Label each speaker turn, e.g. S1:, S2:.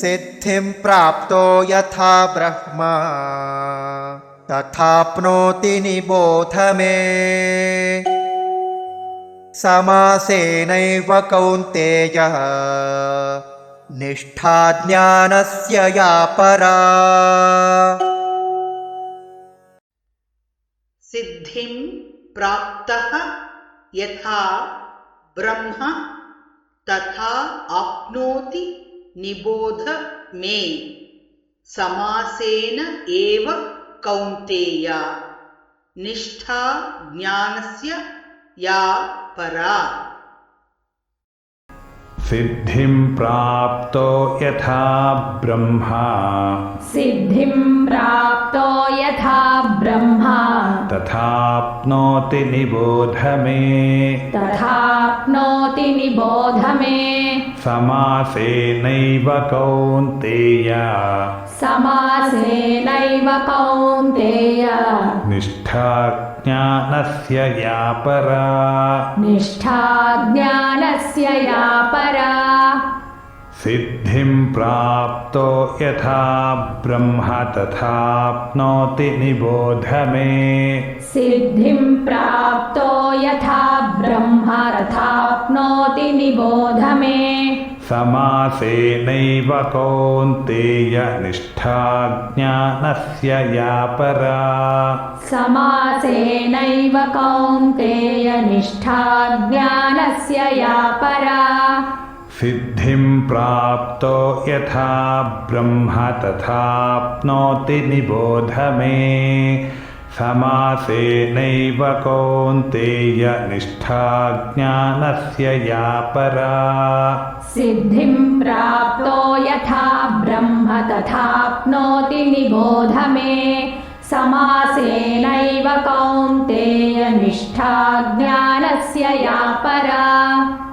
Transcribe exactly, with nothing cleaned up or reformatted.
S1: सिद्धिं प्राप्तो यथा ब्रह्मा तथाप्नोति निबोध मे। समासेनैव कौन्तेय निष्ठा ज्ञानस्य या परा।
S2: सिद्धिं प्राप्तः यथा ब्रह्म तथा आप्नोति निबोध मे। समासेन एव कौन्तेय निष्ठा ज्ञानस्य या परा।
S3: सिद्धिं प्राप्तो यथा ब्रह्मा
S4: सिद्धिं प्राप्तो यथा ब्रह्मा
S3: तथाप्नोति निबोध मे।
S4: तथाप्नोति निबोध मे।
S3: समासेनैव कौन्तेय
S4: समासेनैव कौन्तेय
S3: निष्ठा ज्ञानस्य या परा।
S4: निष्ठा ज्ञानस्य या परा।
S3: सिद्धिं प्राप्तो यथा ब्रह्म तथाप्नोति निबोध मे।
S4: सिद्धिं प्राप्तो यथा ब्रह्म तथाप्नोति निबोध मे।
S3: समासेनैव कौन्तेय निष्ठा ज्ञानस्य या परा।
S4: समासेनैव कौन्तेय निष्ठा ज्ञानस्य या परा।
S3: सिद्धिं प्राप्तो यथा ब्रह्म तथाप्नोति निबोध मे। समासेनैव कौन्तेय निष्ठा ज्ञानस्य या परा।
S4: सिद्धिं प्राप्तो यथा ब्रह्म तथाप्नोति निबोध मे। समासेनैव कौन्तेय निष्ठा ज्ञानस्य या परा।